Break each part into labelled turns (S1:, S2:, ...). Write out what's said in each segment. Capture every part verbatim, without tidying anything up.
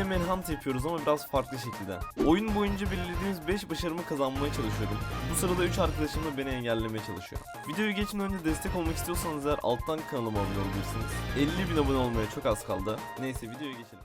S1: yine manhunt yapıyoruz ama biraz farklı şekilde. Oyun boyunca belirlediğimiz beş başarımı kazanmaya çalışıyorum. Bu sırada üç arkadaşım da beni engellemeye çalışıyor. Videoyu geçmeden önce destek olmak istiyorsanız eğer alttan kanalıma abone olabilirsiniz. elli bin abone olmaya çok az kaldı. Neyse videoya geçelim.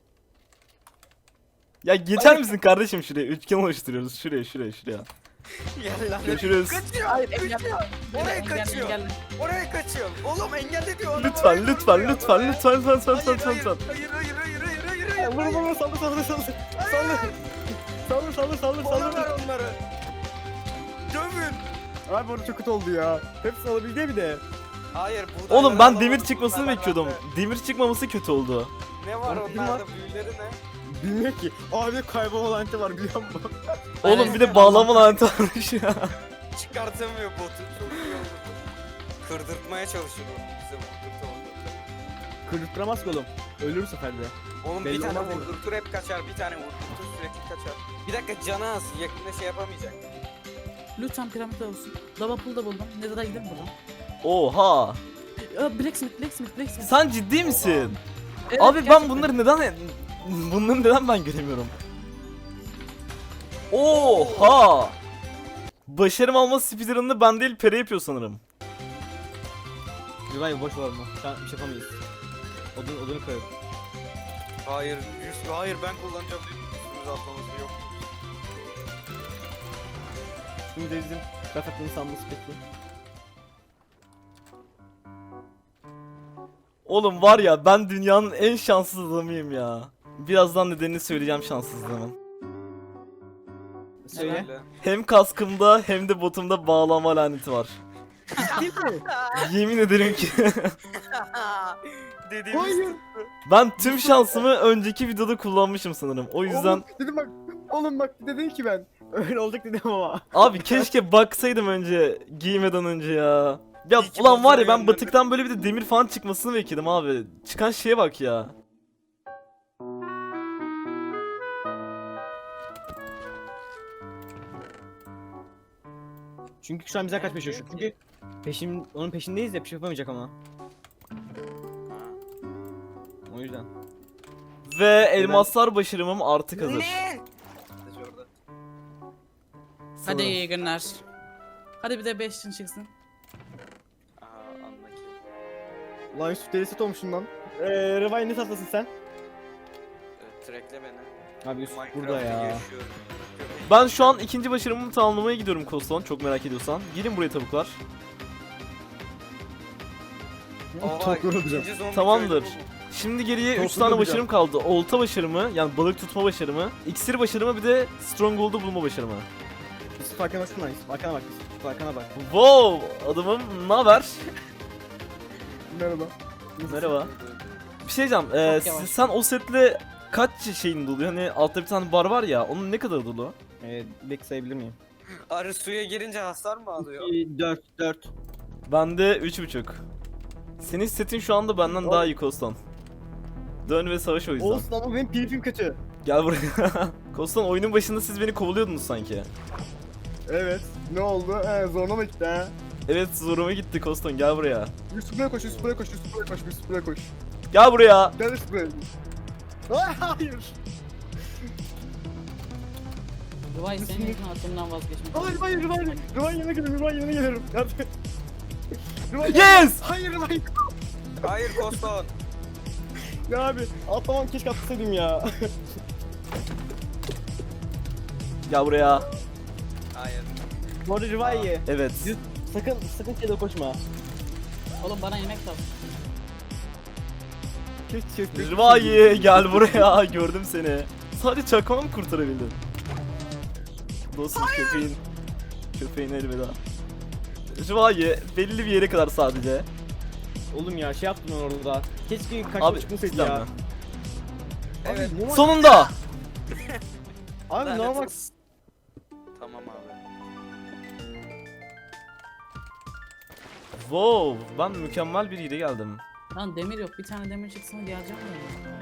S1: Ya geçer misin kardeşim şuraya? Üçgen oluşturuyoruz. Şuraya şuraya şuraya.
S2: Gel lan.
S1: Görüşürüz.
S2: Kaçıyor.
S3: Hayır,
S2: kaçıyor.
S3: engelle.
S2: Oraya
S3: Engelle,
S2: kaçıyor.
S3: engelle.
S2: Oraya kaçıyor. Oğlum engelle diyor. Adam
S1: Lütfen
S2: oraya
S1: lütfen
S2: vuruyor.
S1: lütfen
S2: Oraya.
S1: lütfen lütfen lütfen
S2: Hayır,
S1: lütfen
S2: hayır,
S1: lütfen.
S2: hayır, hayır, hayır, hayır, hayır,
S3: Ya,
S2: hayır,
S3: Vur
S2: hayır.
S3: vur vur saldır saldır saldır. Saldır. Saldır saldır saldır
S2: Bana
S3: saldır.
S2: ver onları. Dövün.
S3: Abi orada çok kötü oldu ya. Hepsini alabildi bir de.
S2: Hayır buğdayları
S1: Oğlum ben demir
S2: alamadım,
S1: çıkmasını
S2: bunlardan
S1: bekliyordum.
S2: bende.
S1: Demir çıkmaması kötü oldu.
S2: Ne var
S3: Oğlum, kim
S2: onlarda
S3: var?
S2: büyüleri ne?
S3: Bilmiyor ki. Abi kaybolma laneti var biliyor musun?
S1: Oğlum bir de bağlama laneti varmış ya.
S2: Çıkartamıyor botu. Çok iyi oldu. Kırdırtmaya çalışıyor onu bize vurdurtu vurdurtu.
S3: Kırdırttıramaz ki oğlum. Ölür bu sefer de.
S2: Oğlum
S3: Belli
S2: bir tane
S3: olmaz yani.
S2: vurdurtur hep kaçar. Bir tane vurdurtur sürekli kaçar. Bir dakika canı az. Yakında şey yapamayacak.
S4: Lütfen piramit olsun. Lava pool da buldum. Nether'a gidelim buradan.
S1: Oha.
S4: Aa, Blacksmith, Blacksmith, Blacksmith.
S1: Sen ciddi misin?
S4: Evet,
S1: Abi ben
S4: gerçekten.
S1: bunları neden bunları neden ben göremiyorum? Oha! Başarım alma speedrun'ını ben değil Pere yapıyor sanırım.
S3: Güven boş ver onu. Şu an bir şey yapamayız. Odun, odunu koyup.
S2: Hayır, yüz, hayır ben kullanacağım diye üstümüze atlaması yok.
S3: Şimdi de bizim Rafat'ın sanması peki.
S1: Oğlum var ya ben dünyanın en şanssız adamıyım ya. Birazdan nedenini söyleyeceğim şanssızlığımın.
S3: Söyle.
S2: Öyle.
S1: Hem kaskımda hem de botumda bağlama laneti var.
S3: Değil mi?
S1: Yemin ederim ki.
S2: Dediğimiz
S3: Hayır.
S1: Ben tüm şansımı önceki videoda kullanmışım sanırım. O yüzden
S3: Oğlum, dedim bak. Oğlum bak dedim ki ben. Öyle olacak dedim ama.
S1: abi keşke baksaydım önce giymeden önce ya. Ya
S2: İyi ki
S1: ulan var ya ben
S2: bozulmayan
S1: batıktan böyle bir de demir falan çıkmasını bekledim abi. Çıkan şeye bak ya.
S3: Çünkü şu an bize kaç peşiyor. Çünkü peşin, onun peşindeyiz ya bir şey yapamayacak ama. O yüzden.
S1: Ve elmaslar başarımım artık hazır.
S2: Ne? Orada.
S4: Hadi iyi günler. Hadi bir de beş için çıksın.
S2: Aha anla ki.
S3: Lan Yusuf deli set olmuşsun lan. Eee Revay ne tatlasın sen?
S2: Evet, trackle beni.
S3: Abi Yusuf
S2: Minecraft'ta
S3: burada ya.
S2: yaşıyorum.
S1: Ben şu an ikinci başarımımı tamamlamaya gidiyorum Koston. Çok merak ediyorsan. Gelin buraya tavuklar.
S2: Oha,
S3: Çok yorulacağım.
S2: ikinci zombi
S1: Tamamdır.
S2: köylü bu.
S1: Şimdi geriye
S3: Çok
S1: üç tane
S3: hızlı
S1: başarım kaldı. Olta başarımı, yani balık tutma başarımı, iksir başarımı bir de stronghold'u bulma başarımı.
S3: Yusuf arkana baksana Yusuf. Arkana bak Yusuf. Arkana bak.
S1: Wow! Adamım ne haber?
S3: Merhaba.
S1: Merhaba. Bir şey diyeceğim. Ee,
S4: Çok yavaş.
S1: sen o setle kaç şeyin dolu? Hani altta bir tane bar var ya. Onun ne kadar dolu?
S3: Eee Black sayabilir miyim?
S2: Arı suya girince hasar mı alıyor?
S3: iki, dört, dört.
S1: Bende üç buçuk. Senin setin şu anda benden daha iyi Koston. Dön ve savaş o yüzden.
S3: Olsun ama benim PvP'm kötü.
S1: Gel buraya. Koston oyunun başında siz beni kovalıyordunuz sanki.
S3: Evet. Ne oldu? He zoruna mı gitti ha?
S1: Evet zoruma gitti Koston, gel buraya.
S3: Yusuf buraya koş, Yusuf buraya koş, Yusuf buraya koş, Yusuf buraya koş.
S1: Gel buraya.
S3: Gel Yusuf buraya. Ay, hayır.
S4: Rıvay senin için aklımdan vazgeçmek.
S3: Hayır, hayır, hayır. Rıvan yerine gelirim, Rıvan yerine gelirim. Yardım et. Rıvan
S1: Yes!
S3: Hayır, Rıvan.
S2: Hayır Koston.
S3: Ya abi, atlamam keşke atlasaydım ya.
S1: Gel buraya.
S2: Hayır.
S3: Bu arada Rıvan iyi.
S1: Evet.
S3: Sakın, sakın şeyde koşma.
S4: Oğlum bana yemek lazım.
S3: Keşke keşke.
S1: Rıvayi gel buraya. Gördüm seni. Sadece çakmağı mı kurtarabildin? Dostum köpeğin. Köpeğin elveda. Rıvayi belli bir yere kadar sadece.
S3: Oğlum ya şey yaptım ben orada. Keşke kaçma
S1: Abi
S3: çıkmasaydı
S1: cidden
S3: ya.
S1: mi?
S2: Evet.
S3: Abi, normal-
S1: Sonunda.
S3: Abi
S2: Lanet
S3: normal.
S2: olsun. Tamam abi.
S1: Wow, ben mükemmel bir yere geldim.
S4: Lan demir yok. Bir tane demir çıksın geleceğim ya.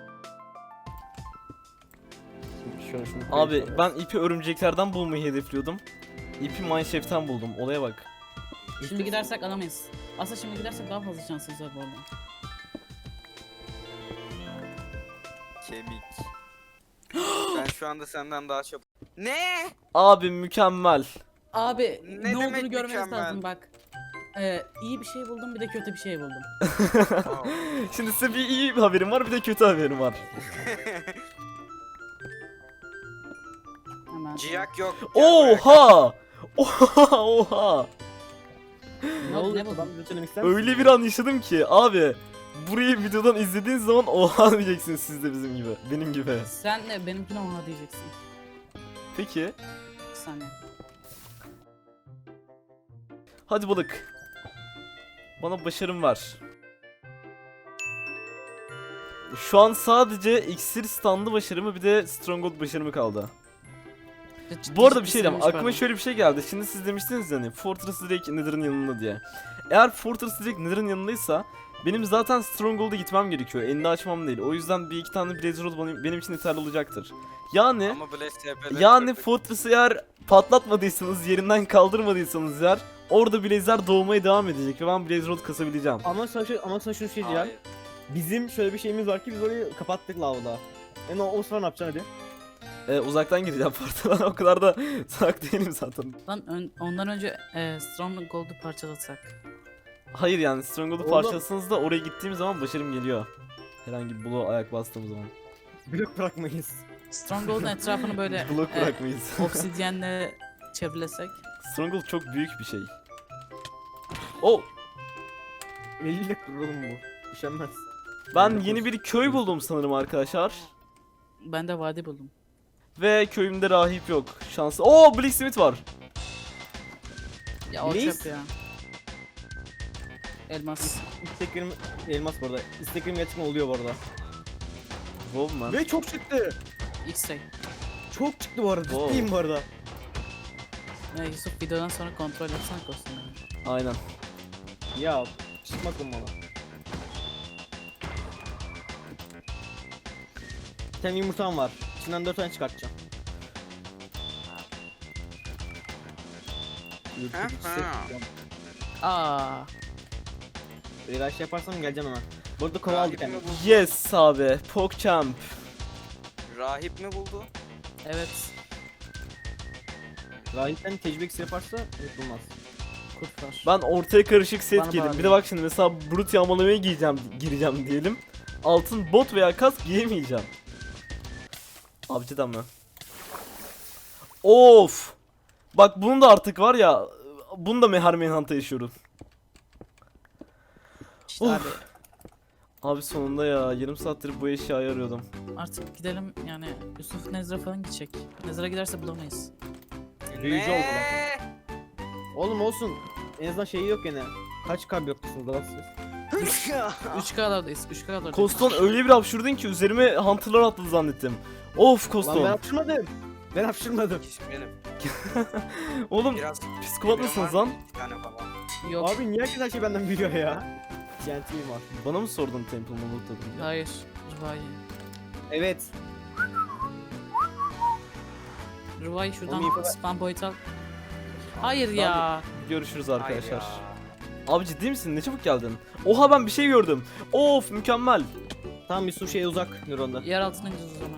S3: Şöyle şunu
S1: Abi ben ipi örümceklerden bulmayı hedefliyordum. İpi mineshaft'ten buldum. Olaya bak.
S4: Şimdi gidersek alamayız. Aslında şimdi gidersek daha fazla şansımız var bu arada.
S2: Kemik. Ben şu anda senden daha çabuk. Ne?
S1: Abi mükemmel.
S4: Abi
S2: Ne
S4: ne,
S2: demek
S4: olduğunu görmeniz
S2: mükemmel?
S4: lazım bak. Ee, iyi bir şey buldum bir de kötü bir şey buldum.
S2: Aa,
S1: Şimdi size bir iyi haberim var bir de kötü haberim var.
S4: Hemen.
S2: Ciyak yok. Gel buraya.
S1: Oha! Oha! Oha!
S3: Ne oldu?
S4: Ne buldun?
S3: Ben bir söylemek ister misin?
S1: Öyle bir an yaşadım ki abi. Burayı videodan izlediğiniz zaman oha diyeceksiniz siz de bizim gibi. Benim gibi.
S4: Sen de benimkine oha diyeceksin.
S1: Peki.
S4: Bir saniye.
S1: Hadi balık. Bana başarım var. Şu an sadece iksir standı başarımı bir de stronghold başarımı kaldı.
S4: Ciddi
S1: Bu arada bir
S4: ciddi
S1: şey diyeyim.
S4: istemiş
S1: Aklıma
S4: pardon.
S1: şöyle bir şey geldi. Şimdi siz demiştiniz yani Fortress direkt Nether'ın yanında diye. Eğer Fortress direkt Nether'ın yanındaysa benim zaten Stronghold'a gitmem gerekiyor. Elini açmam değil. O yüzden bir iki tane Blaze Rod benim, benim için yeterli olacaktır. Yani
S2: Ama Blaze T P'leri
S1: yani
S2: kırdık.
S1: Fortress'ı eğer patlatmadıysanız, yerinden kaldırmadıysanız eğer orada Blaze'ler doğmaya devam edecek ve ben Blaze Rod kasabileceğim.
S3: Ama sana, şu, ama sana şunu şey diyeceğim.
S2: Hayır.
S3: Bizim şöyle bir şeyimiz var ki biz orayı kapattık lavda. Yani o, o sıra ne yapacaksın hadi?
S1: Ee, uzaktan gireceğim portala. O kadar da salak değilim zaten.
S4: Lan ön- ondan önce e, Stronghold'u parçalasak.
S1: Hayır yani Stronghold'u
S3: Oğlum.
S1: parçalasanız da oraya gittiğim zaman başarım geliyor. Herhangi bir bloğa ayak bastığım zaman.
S3: Blok bırakmayız.
S4: Stronghold'un etrafını böyle
S1: Blok
S4: e,
S1: bırakmayız.
S4: obsidyenle çevrelesek.
S1: Stronghold çok büyük bir şey. Oh!
S3: elli kurulum bu. Üşenmez.
S1: Ben yeni bir köy buldum sanırım arkadaşlar.
S4: Ben de vadi buldum.
S1: Ve köyümde rahip yok. Şanslı. Oo, Blacksmith var.
S4: Ya o
S3: Blaze?
S4: çöp ya. Elmas.
S3: İsteklerim elmas bu arada. İsteklerim gerçekten oluyor bu arada.
S1: Wow man.
S3: Ve çok çıktı.
S4: X-ray.
S3: Çok çıktı bu arada.
S1: Wow.
S3: Ciddiyim bu arada.
S4: Ya Yusuf videodan sonra kontrol etsene kostümleri.
S1: Aynen.
S3: Ya çıkmak olmalı. Bir tane yumurtam var. İçinden dört tane çıkartacağım. Ürkütücü hissettim.
S4: Aa.
S3: Eğer şey yaparsam geleceğim hemen. Bu arada kova aldık
S2: Rahip
S3: yani.
S2: mi buldu?
S1: Yes abi. PogChamp.
S2: Rahip mi buldu?
S4: Evet.
S3: Rahipten tecrübe iksiri yaparsa unutulmaz.
S4: Kurt var.
S1: Ben ortaya karışık set
S4: Bana
S1: giydim. Bir
S4: bağlı.
S1: de bak şimdi mesela brut yağmalamaya giyeceğim, gireceğim diyelim. Altın bot veya kask giyemeyeceğim. Abi cidden mi? Of. Bak bunun da artık var ya. Bunu da Mehar Manhunt'a yaşıyorum.
S4: İşte
S1: Of.
S4: abi
S1: Abi sonunda ya. Yarım saattir bu eşyayı arıyordum.
S4: artık gidelim yani Yusuf Nezra falan gidecek. Nezra giderse bulamayız.
S3: Büyücü oldu
S2: Ne?
S3: Oğlum olsun. En azından şeyi yok gene. Kaç kalp yoktasınız lan siz?
S4: üç K'lardayız. üç K'lardayız.
S1: Koston öyle bir hapşurdun ki üzerime Hunter'lar atladı zannettim. Of
S3: Lan ben
S1: Koston.
S3: hapşırmadım. Ben hapşırmadım.
S2: Benim.
S1: Oğlum
S2: Biraz
S1: psikopat
S2: Var
S1: mısınız
S2: mı?
S1: lan?
S2: Bir tane falan.
S4: Yok.
S3: Abi niye herkes her şeyi benden biliyor ya? Gentliyim var.
S1: Bana mı sordun Temple'ımı lootladın?
S4: Hayır. Ruvai.
S3: Evet.
S4: Ruvai şuradan
S3: Oğlum, iyi-
S4: spam point al. Hayır ya.
S1: Görüşürüz
S2: Hayır
S1: arkadaşlar.
S2: ya.
S1: Abi ciddi misin? Ne çabuk geldin. Oha ben bir şey gördüm. Of mükemmel.
S3: Tamam Yusuf şeye uzak nöronda.
S4: Yer altına ineceğiz o zaman.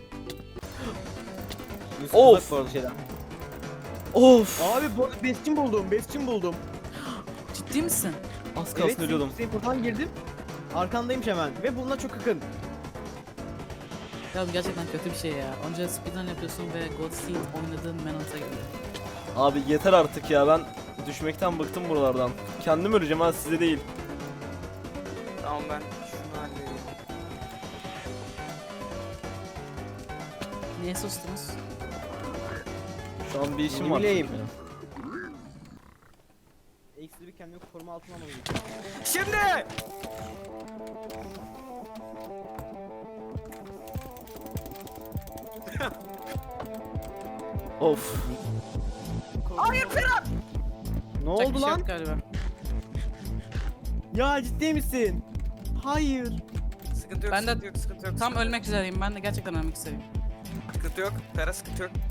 S3: Yusuf
S1: Of.
S3: uzak bu arada şeyden.
S1: Of.
S3: Abi bu arada besçim buldum. Besçim buldum.
S4: Ciddi misin?
S1: Az kalsın ölüyordum.
S3: senin portaldan girdim. Arkandaymış hemen ve bununla çok yakın.
S4: Ya bu gerçekten kötü bir şey ya. Onca speedrun yapıyorsun ve God Seed oynadığın Manhunt'a geliyor.
S1: Abi yeter artık ya, ben düşmekten bıktım buralardan. Kendim öleceğim ha, size değil.
S2: Tamam ben şunu halledeyim.
S4: Niye sustunuz?
S1: Şu an bir işim
S3: Ne
S1: var.
S3: bileyim.
S1: çünkü.
S3: Ekstra bir kendimi koruma altına almalıyım.
S2: Şimdi!
S1: Of.
S2: Hayır Ferhat!
S3: Ne
S4: Yapacak bir
S3: oldu
S4: şey
S3: lan?
S4: yok galiba.
S3: Ya ciddi misin? Hayır.
S2: Sıkıntı yok,
S4: Ben de
S2: sıkıntı yok, sıkıntı yok.
S4: Tam
S2: sıkıntı
S4: ölmek üzereyim. Ben de gerçekten ölmek üzereyim.
S2: yok. Sıkıntı yok. Ferhat sıkıntı yok.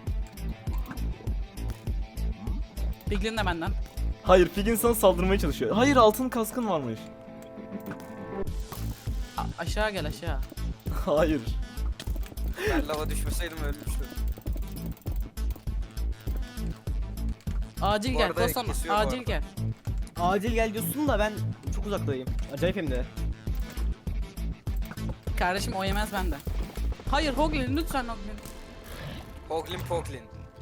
S4: Piglin de benden.
S1: Hayır, Pigin sana saldırmaya çalışıyor. Hayır, altın kaskın varmış.
S4: A- aşağı gel aşağı.
S1: Hayır.
S2: Ben lava düşmeseydim ölmüştüm.
S4: Acil
S2: Bu
S4: gel
S2: arada
S4: Kostan,
S2: kesiyor bu
S4: acil
S2: arada.
S4: gel.
S3: Acil gel diyorsun da ben çok uzaktayım. Acayip hem de.
S4: Kardeşim o yemez bende. Hayır Hoglin lütfen Hoglin.
S2: Hoglin Poglin.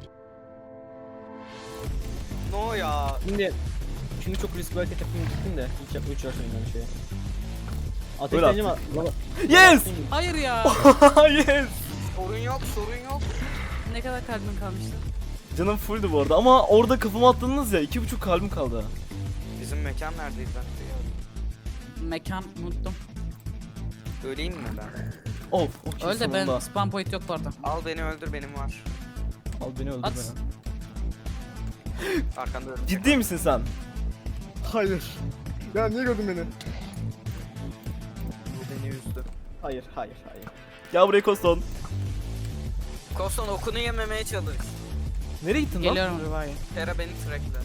S2: No ya.
S3: Şimdi şimdi çok riskli hareket yapayım gittim de hiç yapma üç yaşındayım ben şeye.
S1: Öyle
S3: Ateşlenince mi? Lava-
S1: Yes!
S4: Hayır ya.
S1: Yes!
S2: Sorun yok, sorun yok.
S4: Ne kadar kalbin kalmıştı?
S1: Canım fulldü bu arada ama orada kafama attınız ya iki buçuk kalbim kaldı.
S2: Bizim mekan neredeydi ben de ya.
S4: Mekan unuttum.
S2: Öleyim mi ben?
S1: Of, okey
S4: Öyle de ben
S1: sonunda.
S4: spam point yok bu arada.
S2: Al beni öldür, benim var.
S1: Al beni öldür
S4: At.
S1: beni.
S2: Arkanda öldür.
S1: Ciddi misin sen?
S3: Hayır. Ya niye gördün beni?
S2: Bu beni üzdü.
S3: Hayır, hayır, hayır.
S1: Gel buraya Koston.
S2: Koston okunu yememeye çalış.
S1: Nereye gittin lan?
S4: Geliyorum Riva'ya.
S2: Tera beni trackler.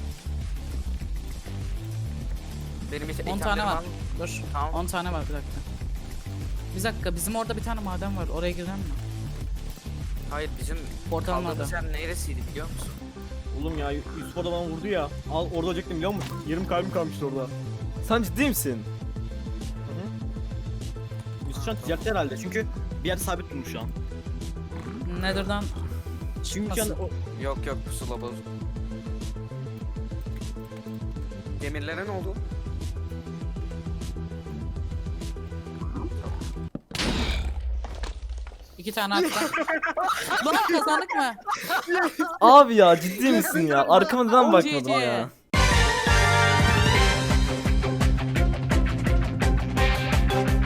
S2: Benim için
S4: on tane var. Dur.
S2: Tamam.
S4: on tane var bir dakika. Bir dakika bizim orada bir tane maden var. Oraya girelim mi?
S2: Hayır, bizim
S4: Portalın
S2: kaldığımız
S4: orada.
S2: yer neresiydi biliyor musun?
S3: Oğlum ya Yusuf orada bana vurdu ya. Al orada olacaktım biliyor musun? Yarım kalbim kalmıştı orada.
S1: Sen ciddi misin?
S3: Yusuf şu an ticaretle herhalde çünkü bir yerde sabit durmuş şu an.
S4: Nether'dan
S3: Çünkü şu an
S4: Nasıl?
S3: o...
S2: Yok yok, pusula bozuk. Demirlere ne oldu?
S4: iki tane attım. Lan kazandık mı?
S1: Abi ya ciddi misin ya? Arkama neden
S4: O
S1: bakmadın
S4: G G.
S1: ya?